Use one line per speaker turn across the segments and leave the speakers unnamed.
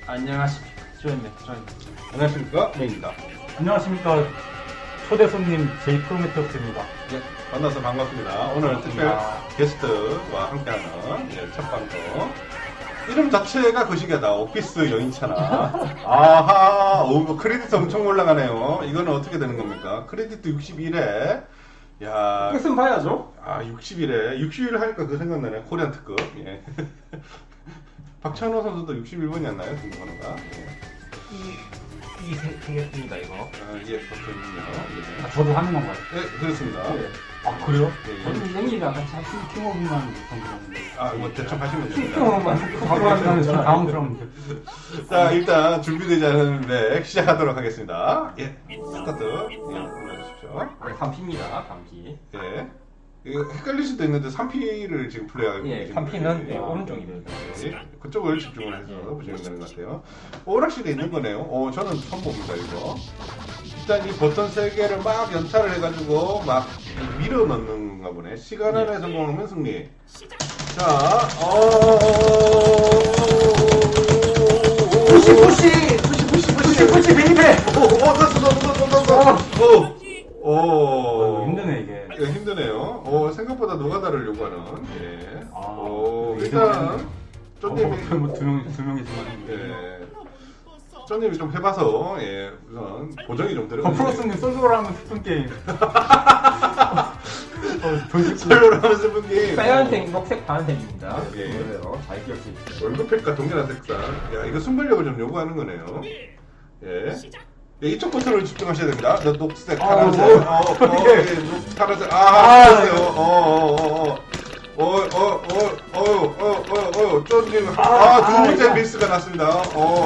안녕하십니까. 조현입니다.
안녕하십니까? 메입니다.
안녕하십니까. 초대 손님 제이 프로메테우스입니다.
예, 만나서 반갑습니다. 오늘 특별 게스트와 함께하는 첫 방송. 이름 자체가 거시기하다. 오피스 여인차나. 아하, 크레딧 엄청 올라가네요. 이거는 어떻게 되는 겁니까? 크레딧 61에. 야.
끝은 봐야죠.
60일에. 60일 하니까 그 생각나네. 코리안 특급. 예. 박찬호 선수도 61번이었나요? 궁금한가?
이 생겼습니다, 이거.
예, 그렇군요.
저도 하는 건가요?
네, 그렇습니다.
아, 그래요?
저는 생일이랑 같이
킹오브만 못한 거같는데.
뭐 대충 하시면 됩니다.
킹오브만
바로 한다는 좀 당황스러운데.
자, 일단 준비되지 않은 렉 시작하도록 하겠습니다. 예, 스타트. 예, 눌러주십시오.
3피입니다, 3피.
예. 이거 헷갈릴 수도 있는데 3P를 지금 플레이하고
예,
계신
3P는
분이
오른쪽입니다.
예, 그쪽을 집중을 해서 보시면 되는 것 같아요. 오락실에 있는 거네요. 저는 처음 봅니다, 이거. 일단 이 버튼 3개를 막 연타를 해가지고 막 밀어 넣는가 보네. 시간 안에 성공하면 승리. 자,
푸시, 베이베!
힘드네, 이게.
예, 힘드네요. 생각보다 노가다를 요구하는. 예. 일단, 쪼님이.
두 명이지만.
예. 쪼님이 좀 해봐서, 예, 우선, 보정이 좀 들어가요.
프로스님 솔로로 하면 스푼 게임.
솔로로 하는 스푼 게임.
빨간색, 녹색, 파란색입니다.
예.
그래요. 잘 기억해.
월급팩과 동일한 색상. 야, 이거 순발력을 좀 요구하는 거네요. 예. 예, 이쪽 버튼을 집중하셔야 됩니다. 녹색, 파란색, 파란색, 쪼님, 두 번째 미스가 났습니다.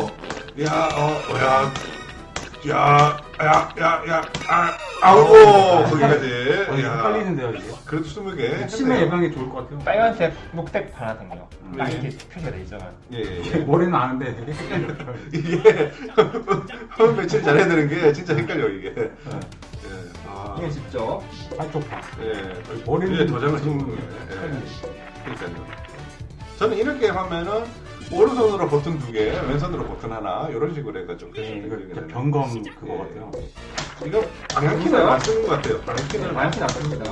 거기까지.
헷갈리는데요, 이게.
그래도 20개.
치매 예방에 좋을 것 같아요.
빨간색, 녹색, 파란색이요. 딱 이렇게 표시가 돼 있잖아요.
예.
머리는 아는데 되게 헷갈려요.
이게, 한 며칠 잘해야 되는 게 진짜 헷갈려, 이게.
이게 쉽죠?
한쪽파.
예,
머리는
도장을 찍는 거예요. 그러니까요. 저는 이렇게 하면은 오른손으로 버튼 2개, 왼손으로 버튼 하나 이런 식으로 해가지고
변검 그거 같아요.
이거 방향키를 안 쓰는 것 같아요. 방향키는
많이 났습니다.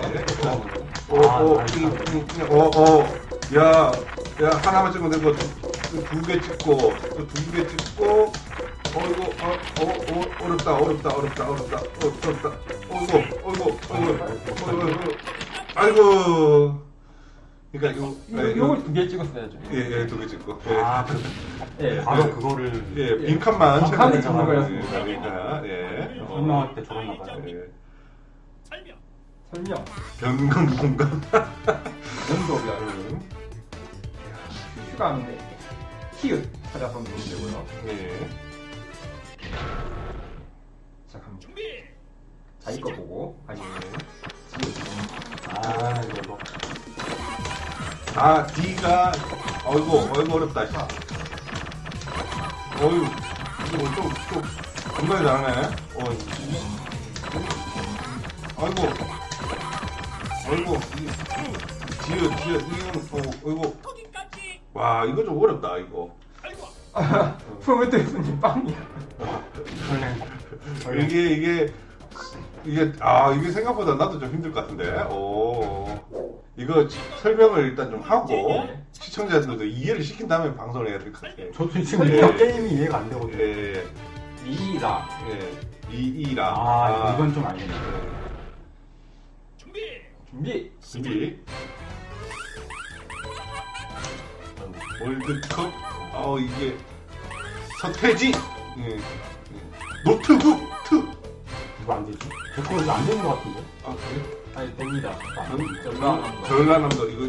야, 하나만 찍으면 되고 2개 찍고 또 2개 찍고. 어렵다. 아이고. 그러니까
이걸 2개 찍었어야죠.
예, 2개 찍고.
예.
바로 그거를.
예, 빈칸만
빈칸을 찍는 거였습니다.
빈칸. 예.
설명할 때 저랬나 봐요.
설명.
변경 공간.
연도가 슈슈가 하는데 키읔 찾아서 누르면 되고요.
예.
시작합니다. 자, 이거 보고 다시
이거.
D가 어이구 어렵다. 이거 좀 굉장히 잘하네. 이거 와, 이거 좀 어렵다, 이거.
프로메테우스님 빵이야.
이게 생각보다 나도 좀 힘들 것 같은데. 이거 설명을 일단 좀 하고 시청자들도 이해를 시킨 다음에 방송을 해야 될 것 같아요.
저도 지금 게임이 이해가 안 되거든요.
예.
이라.
이라.
이건 좀 알겠네.
준비.
월드컵. 이게 서태지. 노트북.
이거 안 되지? 제 거 이거 안 되는 것 같은데?
그래?
아니 됩니다.
전라남도 이거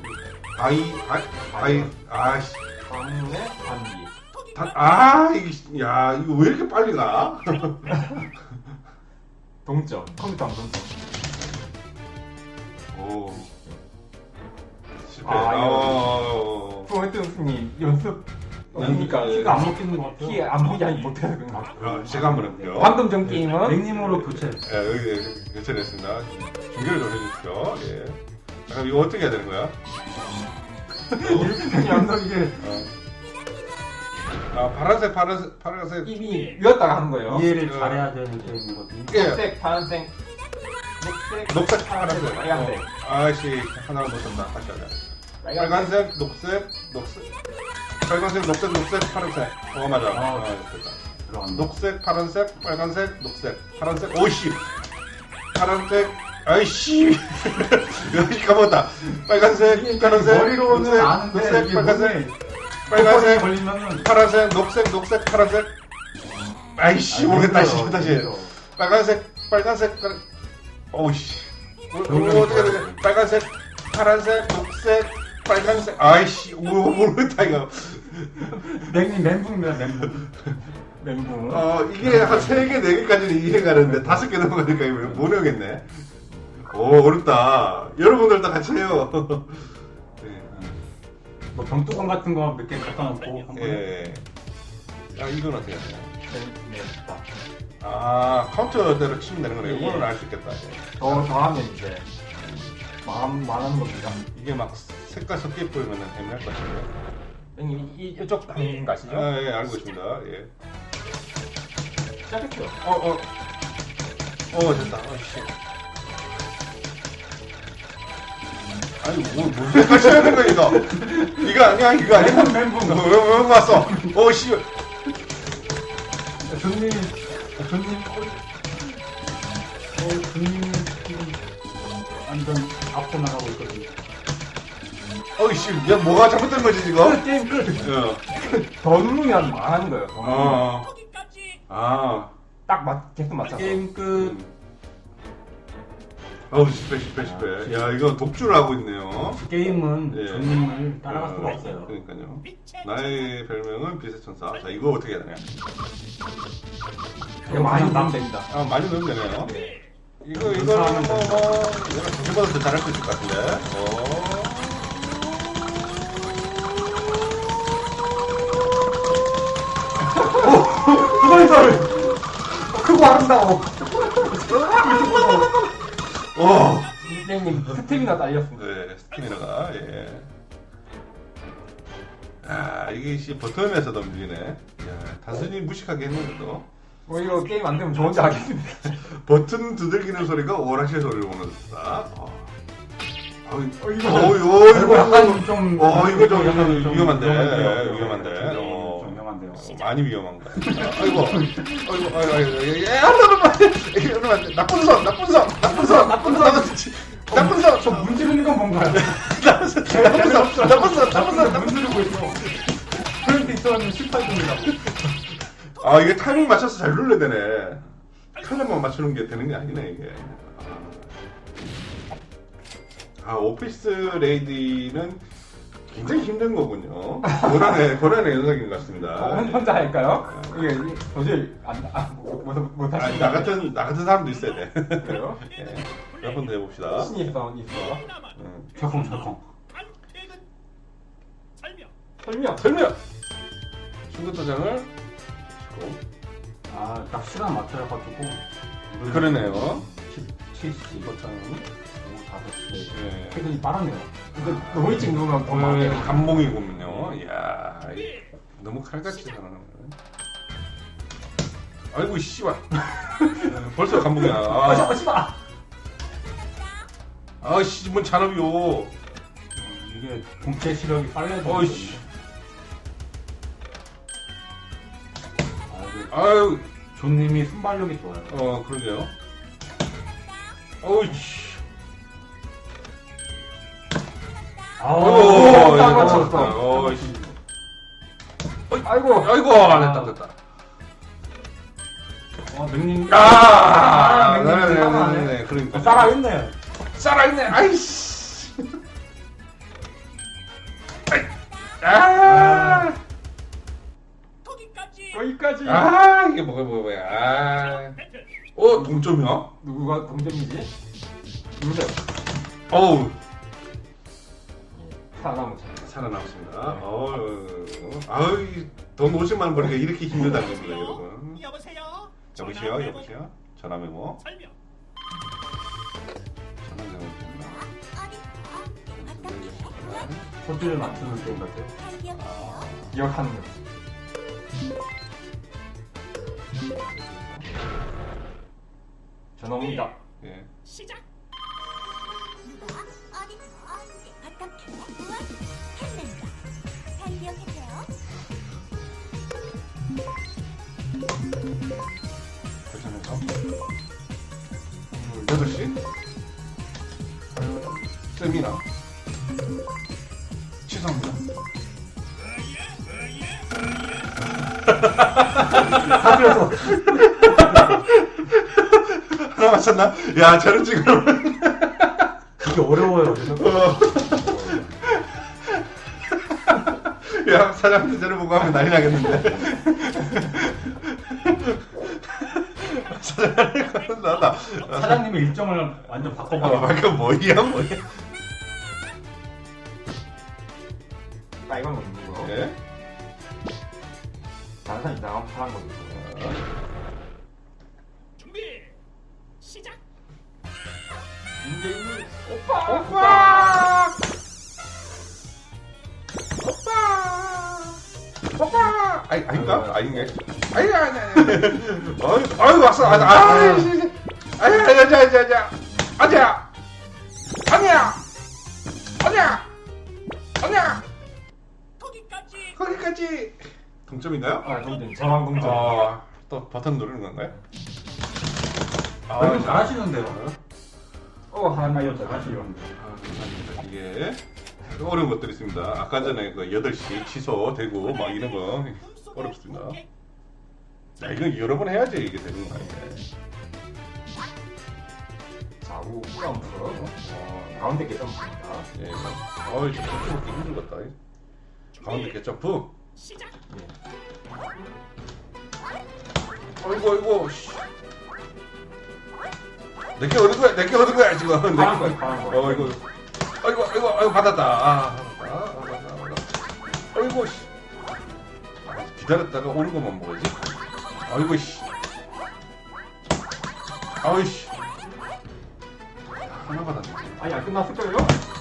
아이씨.
방문의 단기.
이거 왜 이렇게 빨리 가?
동점. 컴퓨터 안 동점.
실패.
프로메테우스님 연습
그러니까
키가 안 먹히는 것 같아요.
키 안 보기 못해서 그런 것 같아요.
제가 한번 해볼게요.
방금 전 게임은
닉님으로 교체.
여기 교체됐습니다. 중계를 좀 해주십시오. 예. 그럼 이거 어떻게 해야 되는 거야?
연속 이게
아, 파란색.
이미 이었다가 하는 거예요.
이해를 잘해야 되는 게임이거든요.
예.
녹색, 파란색,
녹색, 파란색.
빨간색.
아이씨, 하나를 놓쳤다. 다시 하자. 빨간색, 녹색. 빨간색, 녹색, 파란색. 맞아. 됐다.
들어간다.
녹색, 파란색, 빨간색, 녹색, 파란색. 오이씨. 파란색. 아이씨. 여기 까먹었다. 빨간색, 파란색,
머리로는
녹색,
아는데
녹색,
이게
빨간색,
빨간색
빨간색,
걸리면은
파란색, 녹색, 파란색. 아이씨, 모르겠다. 다시. 빨간색, 오이씨. 어떻게 해야 되지? 빨간색, 파란색, 녹색, 빨간색. 아이씨, 모르겠다, 이거.
멘붕입니다, 멘붕.
멘붕.
이게 한 3개, 4개까지는 이해가 가는데 5개 넘어가니까 이거 못 외우겠네. 오, 어렵다. 여러분들 다 같이 해요.
뭐 병뚜껑 같은 거 몇 개 갖다 놓고 한번.
예. 이건 어떻게 해야 돼요?
네, 좋다.
카운터대로 치면 되는 거네.
예.
이거는 알 수 있겠다.
더 하면 이제 말하는 겁니다.
이게 막 색깔 섞여 보이면 애매할 것 같은데.
형님 이쪽 하는 거 아시죠?
예, 알고 있습니다. 예.
시작했죠.
됐다. 씨. 아니, 무슨 색깔 쳐야 되는 거야, 이거? 이거 아니야?
멘붕.
왜 왔어? 씨.
존님 지금 완전 앞서 나가고 있거든요.
씨. 야, 뭐가 잘못된 거지, 지금?
게임 끝.
더 누르면 말하는 거예요. 더 누르면. 계속 맞춰서.
게임 끝.
실패. 야, 이거 독주를 하고 있네요.
게임은
예.
존님을 따라갈 수가 없어요.
그러니까요. 나의 별명은 비세천사. 자, 이거 어떻게 해야 되냐?
이거 많이 넣으면 됩니다.
많이 넣으면 되네요.
네.
이거는 내가 저보다 더 잘할 수 있을 것 같은데.
그거를 크고 아름다워.
형님 스텝이나 딸렸습니다.
네, 스티미너가, 예. 이게 버튼에서도 움직이네. 야, 단순히 무식하게 했는데도.
이거 게임 안 되면 저 혼자 하겠습니다.
버튼 두들기는 소리가 오락실 소리를 보내줬다.
이거 약간 좀.
이거 좀 약간
좀
위험한데.
위험한데요.
위험한데.
좀 위험한데요.
많이 위험한 거야. 아이고. 이러면 안 돼. 나쁜 선.
저 문지르는 건 뭔가요?
나쁜 선.
문지르고 있어. 그럴 때 있었는데 실패했습니다.
이게 타이밍 맞춰서 잘 눌러야 되네. 타이밍만 맞추는 게 되는 게 아니네, 이게. 오피스 레이디는 굉장히 힘든 거군요. 고난의 연속인 것 같습니다.
혼자 할까요? 이게 도저히 못하시죠.
나 같은 사람도 있어야 돼.
그래요?
몇 번 더 해봅시다.
신이 있어.
철컹.
설명.
충격도장을
딱 시간 맞춰가지고.
그러네요.
70 버튼. 5시.
예.
퇴근이 빠르네요.
근데 너무 일찍 누르면 더 많아요.
감봉이군요. 이야, 너무 칼같이 살아나네. 아이고, 씨발. 벌써 감봉이야.
씨발.
씨, 뭔 잔업이요.
이게 동체 시력이 빨라야 돼.
어이씨. 아유,
존님이 순발력이 좋아요.
그러게요. 어이씨.
딱 맞췄어. 아이고.
안 됐다.
맹님.
네네네. 그러니까.
살아있네.
아이씨.
거기까지.
이게 뭐야. 동점이야?
누구가 동점이지? 누구세요?
어우.
살아남았습니다.
돈 50만 원 버니까 이렇게 힘들다는 겁니다, 여러분.
여보세요?
여보세요? 전화 메모.
설명.
전화 메모.
소리를 맞추는 게임 같아요.
기억하는 거. 전화옵니다.
예.
시작. 누가 어디서 어떻게 무엇 했는가 잘 기억해세요.
괜찮을까? 8시? 세미나. 취소합니다.
하면서
하나 맞췄나? 야, 저런 지금.
이게 어려워요.
야, 사장한테 저를 보고 하면 난리 나겠는데. 사장님, 나다.
사장님의 일정을 완전 바꿔버려.
방금 뭐야?
빨간 거 있는 거.
예?
다른 사람 이상한 파란 거 있고.
준비. 시작.
문재인이 오빠.
오빠! 오빠! 아닌가? 아닌가? 아니. 아유, 왔어. 아니야. 거기까지. 동점인가요?
아, 동점. 저랑 동점.
또 버튼 누르는 건가요?
이건 잘하시는데요. 하나 여자 같이 이런데.
감사합니다. 이게 어려운 것들이 있습니다. 아까 전에 그 8시 취소되고 막 이런 거 어렵습니다. 자, 이건 여러 번 해야지 이게 되는 거 아니에요.
좌우 점프. 가운데 게 점프입니다.
예. 어이, 좀 점프먹기 힘들겠다. 가운데 개점프.
시작.
예.
어이구, 씨. 내게 얻은 거야, 지금.
파란 거, 파란 거.
아이고, 받았다. 받았다. 어이구, 씨. 기다렸다가 오는 것만 먹어야지. 아이고, 씨. 아이, 씨. 하나 받았네.
아니, 안 끝났을걸요?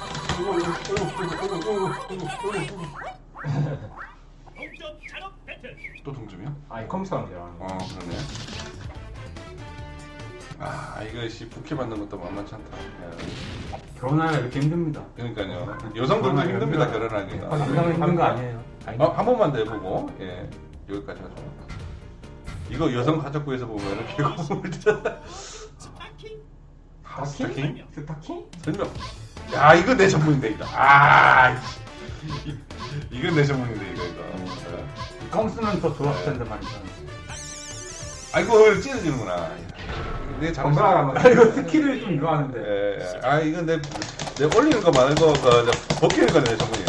동점 잔업 배틀.
또 동점이야?
아니, 컴퓨터인데요.
그러네. 이거 씨 부캐 받는 것도 만만치 않다. 야.
결혼하기가 이렇게 힘듭니다.
그러니까요. 여성들도 힘듭니다, 결혼하기가.
남자는 힘든 거 아니에요.
한 번만 더 해보고, 예, 여기까지 하죠. 이거 여성 가족부에서 보면은 배고픔을
스타킹.
스타킹?
스타킹?
설명. 야, 이거 내 전문인데, 이거. 이건 내 전문인데, 이거.
껌 쓰면 더 좋았을 텐데 말이죠.
아이고, 찢어지는구나. 내
건강한
잘못.
이거 스킬을 좀 이거 하는데.
예. 이건 내 올리는 거 말고, 벗기는 거는 내 전문이에요.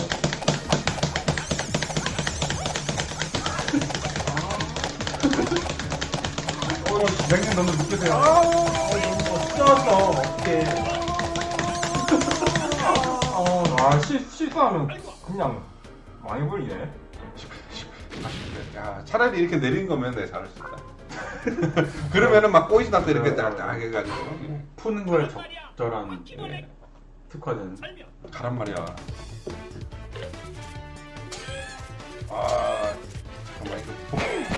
냉면 너무 느끼세요. 찢었어. 어떡해.
실수하면 그냥 많이 걸리네.
야, 차라리 이렇게 내린 거면 내가 잘할 수 있다. 그러면은 막 꼬이지나도 이렇게 딱딱 해가지고.
푸는 거에 적절한
예.
특화된.
설명.
가란 말이야. 잠깐만, 이거.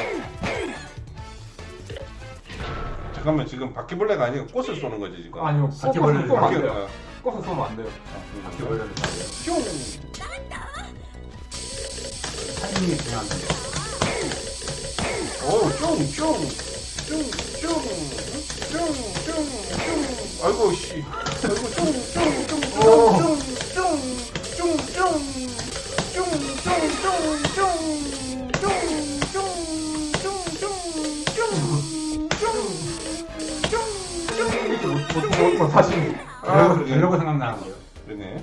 잠깐만, 지금 바퀴벌레가 아니고 꽃을 쏘는 거지, 지금.
아니요,
바퀴벌레를
쏘면 안
바퀴-
돼요. 꽃을 쏘면 안 돼요.
바퀴벌레를
뿅!
타이밍이 중요한데.
아이고, 씨.
사실
이러고 생각나는데요.
그러네.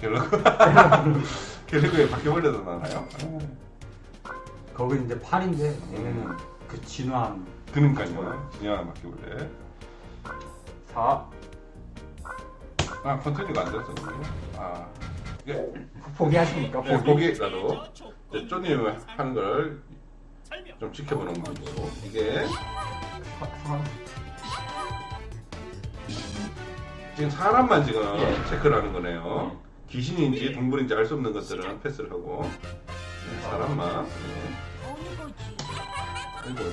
갤러그에 바퀴벌레도 나나요?
거기 이제 팔인데 얘네는 그 진화한.
그러니까요. 진영한 바퀴벌레.
4.
컨트롤가 안 됐어. 이게
포기하십니까?
보기 나도 쪼님 하는 걸
설명.
좀 지켜보는 거고 이게
4.
지금 사람만 지금
예.
체크를 하는 거네요. 귀신인지 동물인지 알 수 없는 것들은 패스를 하고 사람만.
어느 거지?
아이고.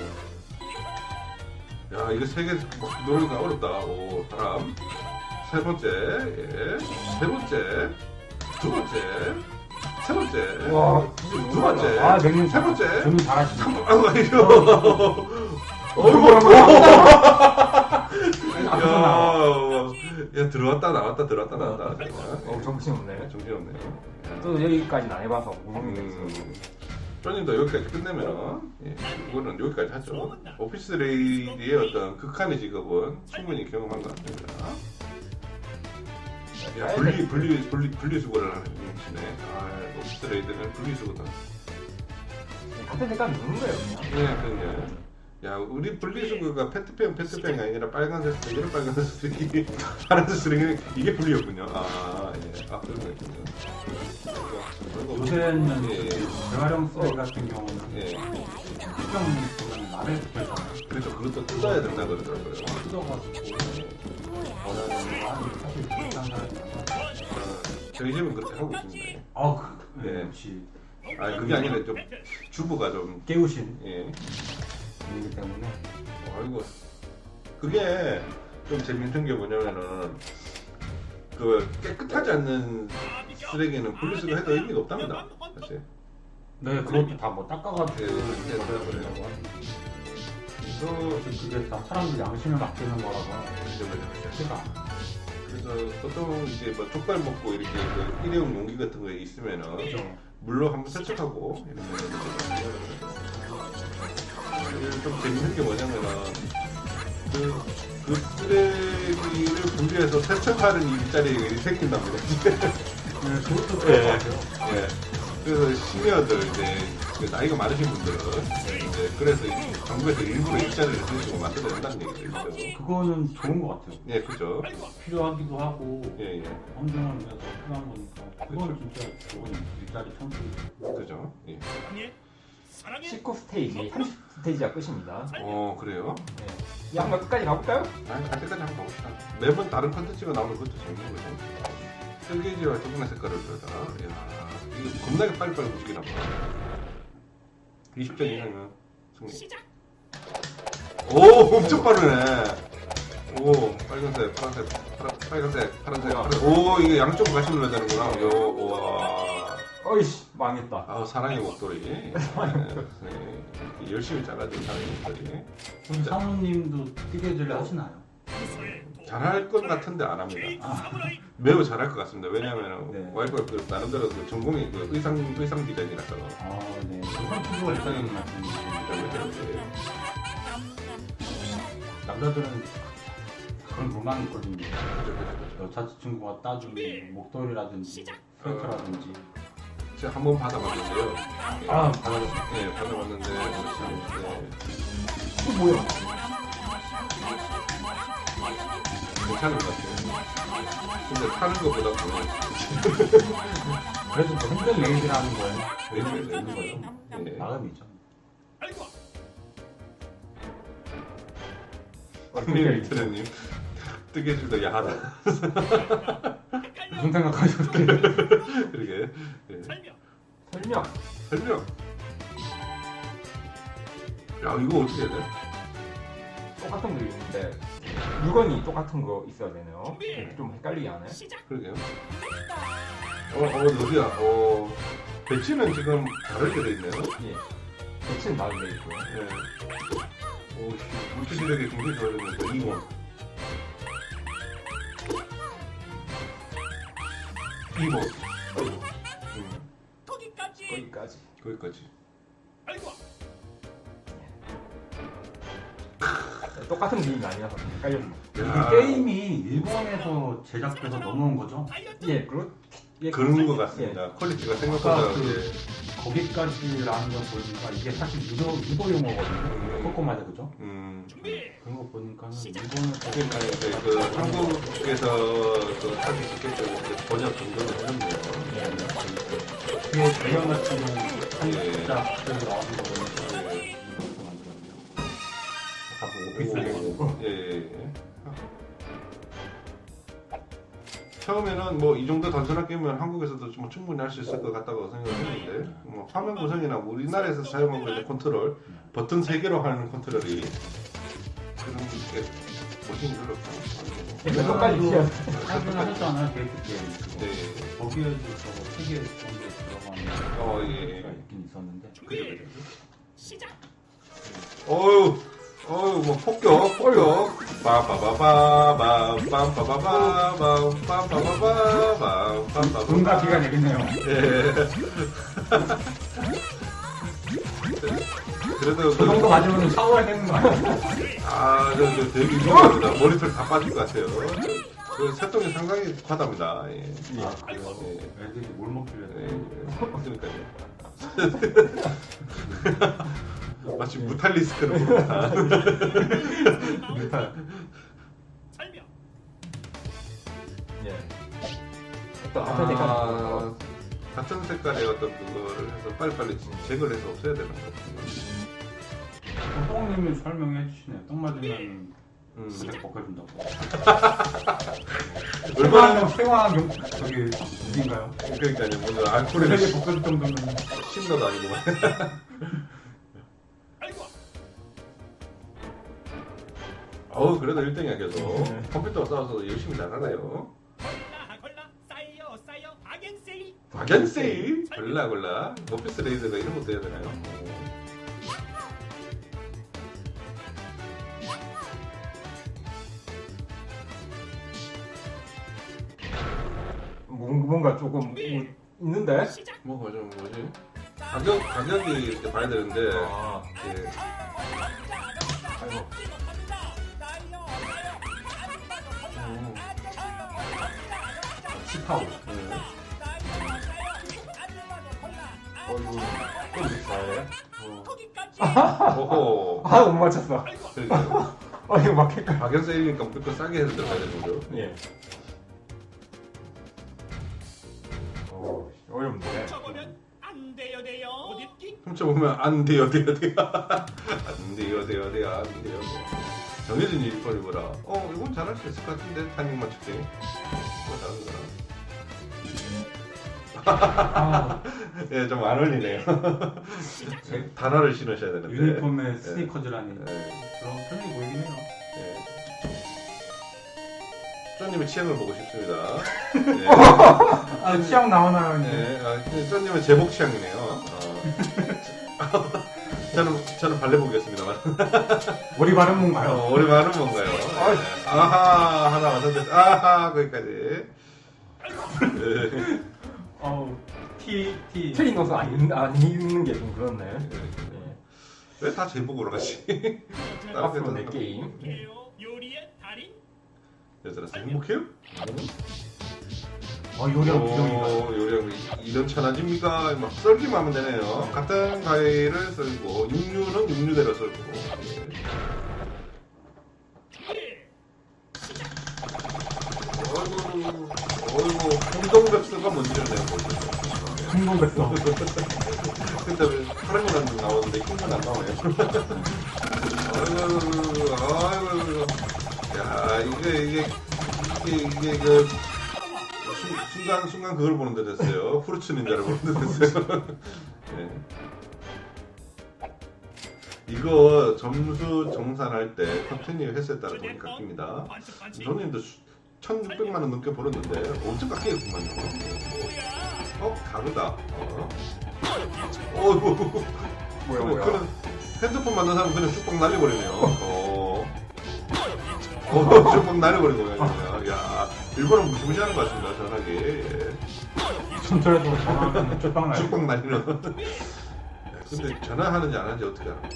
야, 이거 세 개 노래가 어렵다. 오, 사람. 세 번째, 예. 세 번째, 두 번째, 세 번째,
와,
두 번째,
아, 맹님
세 번째.
주문 잘하시네.
아이고,
어이구,
야, 들어왔다 나왔다 들어왔다 나왔다.
정신없네.
정신없네.
또 여기까지는 안 해봐서 모르겠어요.
쪼님도 여기까지 끝내면은 예, 이거는 여기까지 하죠. 오피스 레이디의 어떤 극한의 직업은 충분히 경험한 것 같습니다. 야, 분리수거를 하시네. 아, 오피스 레이드는 분리수거다.
같은 색깔 누른 거예요 그냥.
네, 그냥. 야, 우리 분리수거가 페트병이 아니라 빨간색 쓰레기는 빨간색 쓰레기, 파란색 쓰레기는 이게 분리였군요. 아, 예. 아, 그런 거였군요.
요새는
예,
재활용 쓰레기 같은 경우는
예.
특정 보면 라벨 붙여있잖아요.
그래서 그것도 뜯어야 된다 그러더라고요.
뜯어가지고 원하는 거 하는 사실 비슷한 사람이 많아요.
저희 집은 그렇게 하고 있습니다.
아,
네.
역시
아, 그게 아니라 좀 주부가 좀
깨우신
예.
분이기 때문에
아이고, 그게 좀 재밌는 게 뭐냐면은 그 깨끗하지 않는 쓰레기는 분리수거 해도 의미가 없답니다. 사실.
네, 그것도 다 뭐 닦아가지고
예,
그래야
그래요.
된다고 하는데
그래서
그게 다 사람들 양심을 맡기는 거라서
이제
쉽지가 않아.
그래서 보통 이제 뭐 족발 먹고 이렇게 그 일회용 용기 같은 거에 있으면은
그렇죠.
물로 한번 세척하고 이렇게 좀 재밌는 게 뭐냐면은 그 쓰레기를 분리해서 세척하는 일자리가 생긴답니다.
네, 그것도
예.
그럴 것 같아요.
예. 그래서 시니어들 이제 그 나이가 많으신 분들은 이제 그래서 정부에서 일부러 일자리를 주시고 만들어낸다는 얘기죠.
그거는 좋은 것 같아요.
예, 그죠.
필요하기도 하고
예, 예,
환경을 위해서 필요한 거니까 그거는 진짜 좋은 일자리 창출이죠.
그죠. 예.
사랑해. 사랑해.
19 스테이지, 30 스테이지가 끝입니다.
그래요?
네. 이 한번 끝까지 가볼까요?
갈 때까지 한번 가봅시다. 매번 다른 컨텐츠가 나오면 그것도 재밌는 거죠. 설계지와 조금의 색깔을 들여다. 이야, 이거 겁나게 빨리빨리 움직이나 봐. 20점 이상이면 승리.
시작.
오, 엄청 빠르네. 오, 빨간색, 파란색, 빨간색, 파란색. 오, 이게 양쪽으로 같이 눌러야 되는구나. 요, 우와.
어이씨 망했다.
아우, 사랑의 목도리. 네, 열심히 잘라준 사랑의 목도리.
그럼 사모님도 뜨개질 하시나요?
잘할 것 같은데 안 합니다.
사무라이.
매우 잘할 것 같습니다. 왜냐하면
네.
와이프가 그 나름대로 그 전공이 그 의상 디자인이라서.
아, 네. 그건 피부가 이상한 말씀이시죠. 남자들은 그런 로망이 있거든요. 여자친구가 따준 목도리라든지 스웨터라든지.
제가 한 번 받아봤는데요.
아, 받아봤어요.
네, 받아봤는데
또 뭐야?
괜찮은 것 같아요. 근데 타는 것보다 더
그래도 뭐 힘든 레이드라는 거예요.
레이드가
있는 거예요.
네.
마음이죠.
아이고.
리트레님 뜨개질도 야하다.
무슨 생각하셨길래?
그러게. 예.
설명.
설명.
설명. 야, 이거 어떻게 해야 돼?
똑같은 그림인데 물건이 똑같은 거 있어야 되네요. 좀 헷갈리게 하네.
시작.
그러게요. 어디야? 배치는 지금 다르게 돼 있네요.
예. 배치는 나도 돼 있고요.
네. 오, 물질 시력이 굉장히 좋아졌는데 2번. 2번.
거기까지.
거기까지.
거기까지.
아이고.
똑같은 그림이 아니라서 헷갈렸네.
야,
이 게임이 일본에서 제작돼서 넘어온 거죠?
예,
그런 것 같습니다. 퀄리티가 생각보다
아까
이제
거기까지라는 걸 보니까 이게 사실 유도 용어거든요. 코코마데 그죠?
준비.
그런 거 보니까는 일본에서
그러니까 이제 그 한국에서 그 하기 쉽게 그 번역 정도는 하셨네요.
그게 대형 같은 경우
예.
한국자 그대로 나오는 거 보니까 일본에서 만들었네요. 아까 뭐 오피스 레이고
예. 처음에는 뭐 이 정도 단순한 게임은 한국에서도 좀 충분히 할 수 있을 것 같다고 생각했는데 뭐 화면 구성이나 우리나라에서 사용하고 있는 컨트롤 버튼 3개로 하는 컨트롤이 그런 게 보시기 그렇고
똑같이 튀어.
하긴 하셨잖아요. 데이트 게임.
네.
거기에도 저거 3개 정도 들어가는
어, 예.
가 있긴 있었는데.
준비. 시작.
어유 뭐 폭격 빠바바바밤 빰빠바바밤 빰빠바바밤 빰빠바밤
돈과 기가 되겠네요.
예. 그래도
그 정도 맞으면 샤워해야 되는 거 아니에요?
저 되게 유명합니다. 머리털 다 빠질 것 같아요. 그 새똥이 상당히 과답니다. 예.
아, 그래요?
예.
애들이 뭘 먹길래.
그러니까요. 마치 무탈리스크를 부르다.
설명.
예. 또 앞에 색깔.
같은 색깔의 어떤 그거를 해서 빨리빨리 제거를 해서 없애야 되는 거거든요.
똥님이 설명해 주시네요. 똥 맞으면 색 벗겨준다고.
얼마나
생화용 저기 어딘가요?
그러니까요. 뭔가 알코올에
색이 벗겨줄 정도면
신나도 아니고.
알고
그래도 1등이야 계속. 컴퓨터가 싸워서 열심히 잘하네요.
골라 쌓여 박앤세이.
박연세이 골라 오피스 레이드가 이런 것도 해야 되나요?
뭔가 조금 있는데?
시작.
뭐가 좀 뭐지? 가격이 이렇게 봐야 되는데 예.
아이고.
시카고.
어이구. 또 이렇게 잘해?
오호.
못 맞췄어.
그러니까요.
이거 막힐까?
박연세이니까 무조건 싸게 해서 들어가야 되는 거죠.
예. 어렵네.
쳐보면 안 돼요. 못 읽기.
훔쳐보면 안 돼요. 안 돼요. 정해진 일본이보라. 이건 잘할 수 있을 것 같은데 타이밍 맞추기.
아,
예, 좀 안 어울리네요. 단어를 신으셔야 되는데.
유니폼에 스니커즈라니.
예,
그런 편이 보이긴 해요.
예. 쪼님의 취향을 보고 싶습니다. 예.
아, 취향 나오나요?
네, 쪼님은 제복 취향이네요. 저는 발레 보겠습니다만.
머리 바른 건가요?
우리 말은 뭔가요? 아하, 하나 완성됐어. 아하, 거기까지.
T.
안 입는 게 좀 그렇네.
왜 다 제복으로 가시?
앞으로 내 게임.
요리의 달인.
여자라서 행복해요?
요리하고 부정인가?
요리하고 이런 천하집니까? 막 썰기만 하면 되네요. 같은 과일을 썰고 육류는 육류대로 썰고. 어이구, 홍동백수가 뭔지를 내가 모르겠어.
궁금했어.
그때 왜 파란 거랑 나오는데 흰 건 안 나오네요. 아이고. 야, 이게 그 순간 그걸 보는 데 됐어요. 후르츠 닌자를 보는 데 됐어요. 네. 이거 점수 정산할 때 컨티뉴 횟수에 따라 돈이 깎입니다. 저는 1,600만 원 넘게 벌었는데 엄청 깎이겠구만요. 다르다. 어이구.
뭐야.
그냥 핸드폰 만든 사람 그냥 쭉빵 날려버리네요. 쭉빵 날려버리네요. 야, 일본은 무시무시하는 것 같습니다. 전화기.
전철에서 전화하면 쪽방 나요.
쭉빵 날리는. 근데 전화하는지 안 하는지 어떻게 알아?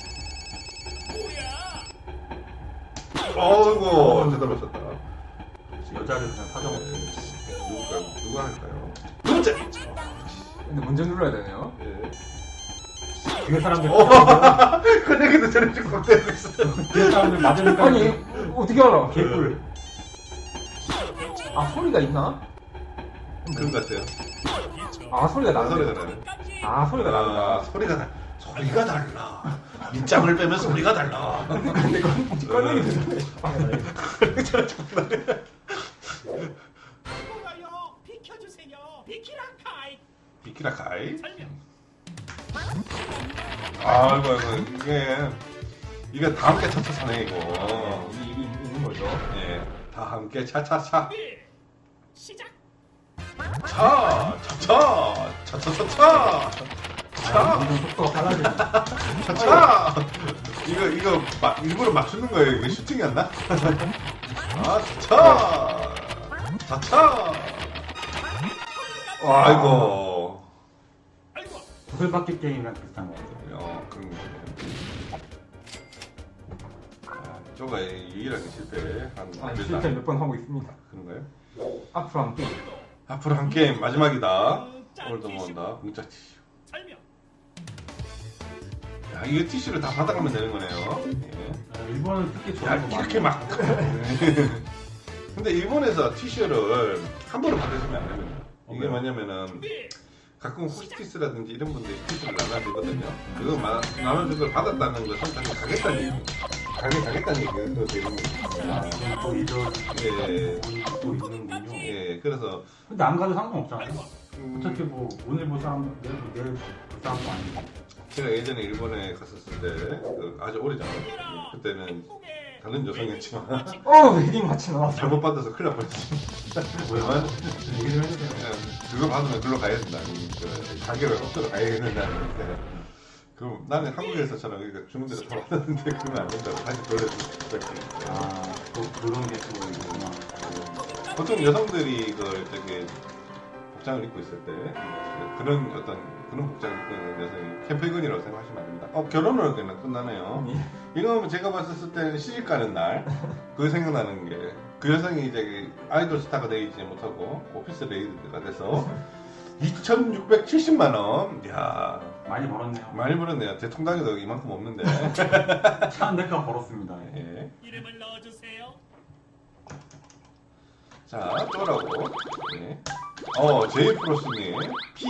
어이구, 제대로 맞췄다.
여자를 그냥 사정.
누가 할까요? 문제.
근데 문제 눌러야 되네요.
예.
뒤에 사람들
그 얘기도 전에 쭉 되고 있어요.
뒤에 사람들 맞으니까
아니 어떻게 알아?
개꿀.
소리가 있나?
그런 것 같아요.
소리가 나네.
소리가 나네.
소리가 나다.
소리가 달라. 밑장을 빼면 소리가 달라.
근데 꺼내기 되는데.
키라카이.
설명.
아이고 이게 다 함께 차차차네 이거.
있는 거죠.
예, 다 함께 차차차.
준비. 시작.
차차차차.
점점 속도가 빨라지네.
차차. 이거 일부러 맞추는 거예요. 이거 슈팅이 안 나? 차차. 차차. 아이고.
아이고.
구슬받기 게임이랑 비슷한 거 같아요.
그런 거. 저가 유일하게 실패한
실제 몇 번 하고 있습니다.
그런가요?
앞으로 한 게임.
앞으로 한 게임 마지막이다. 오늘도 모은다. 공짜 티슈.
설명.
야, 이거 티슈를 다 받아가면 되는 거네요. 예.
일본은 특히
야,
좋아하는 거
이렇게 막. 근데 일본에서 티슈를 한 번에 받으시면 안 됩니다. 이게 뭐냐면은
준비.
가끔 호스티스라든지 이런 분들이 티슈를 나눠주거든요. 그거 나눠준 걸 받았다는 것은 다시 가겠다는 얘기. 가겠다는 얘기가 되는 거예요.
또 이런
예.
또 있는군요.
예, 그래서
근데 안 가도 상관없잖아요.
음,
어차피 뭐 오늘 볼 사람 내일 볼 사람도 아니고.
제가 예전에 일본에 갔었을 때 아주 오래전에 그때는 다른 여성이었지만
헤딩 마치 나왔어.
잘못 받아서 큰일 날 뻔했습니다.
뭐야? 얘기 좀 해주세요.
그거 받으면 글로 가야 된다는 그 가게를 엎드려 가야 된다는 그 나는 한국에서처럼 그러니까 주는 대로 다 받았는데 그러면 안 된다고 다시 돌려주고
또 그런 게 또 있구나.
보통 여성들이 그 저기 복장을 입고 있을 때 그런 그런 복장을 입고 있는 여성이 캠페인이라고 생각하시면 안 됩니다. 결혼을 그냥 끝나네요. 이거 제가 봤을 때는 시집 가는 날 그 생각나는 게 그 여성이 이제 아이돌 스타가 되지 못하고 오피스 레이드가 돼서 2,670만 원. 이야
많이 벌었네요.
많이 벌었네요. 대통령에도 이만큼 없는데.
차 한 대가 벌었습니다.
예.
이름을 넣어주세요.
자, 또라고. 네. 제이프로스님, P.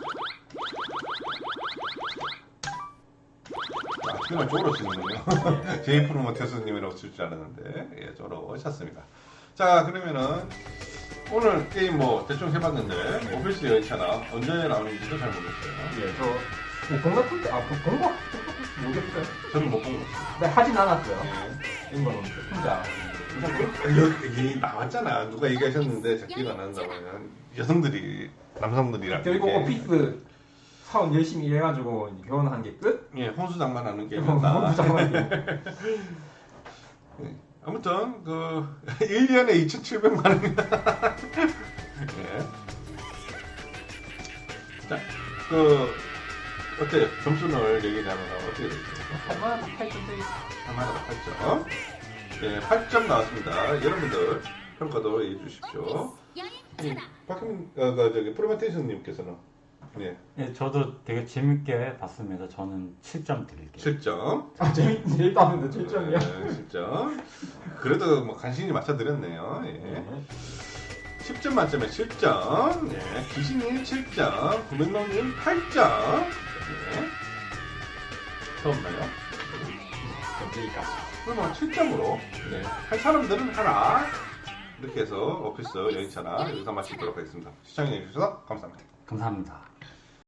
정말 쪼로 쓰는군요. 제이프로모테스님이라고 쓸 줄 알았는데, 예, 쪼로 오셨습니다. 자, 그러면은, 오늘 게임 뭐, 대충 해봤는데, 오피스 열차나 언제 나오는지도 잘 모르겠어요.
예, 저 공각 풀 때, 공각 모르겠어요.
저는 못 본 것 같아요.
네, 하진 않았어요.
예.
이거는 혼자.
여기 나왔잖아. 누가 얘기하셨는데, 잘 기억 안 난다고. 여성들이, 남성들이랑.
그리고
이렇게.
오피스 사원 열심히 일해가지고 결혼한 게 끝?
예, 혼수장만 하는 게임이었다.
혼수장만
네. 아무튼 1년에 2,700만 원입니다. 예. 자, 어때요? 점수를 얘기하면 어떻게 되죠?
얼마나 다 8점대
하나가 8점. 예, 8점 나왔습니다. 여러분들 평가도 해주십시오. 박혜민, 프로메테이션님께서는 예,
예, 저도 되게 재밌게 봤습니다. 저는 7점 드릴게요.
7점.
제일 따는데 7점이야.
7점. 그래도 뭐 간신히 맞춰드렸네요. 예. 10점 만점에 7점. 네. 귀신님 7점. 구명롱님 8점. 네. 더 없나요?
여기까지.
그럼 7점으로 네. 할 사람들은 하라. 이렇게 해서 오피스 여인차나 여기서 마치도록 하겠습니다. 시청해주셔서 감사합니다.
감사합니다.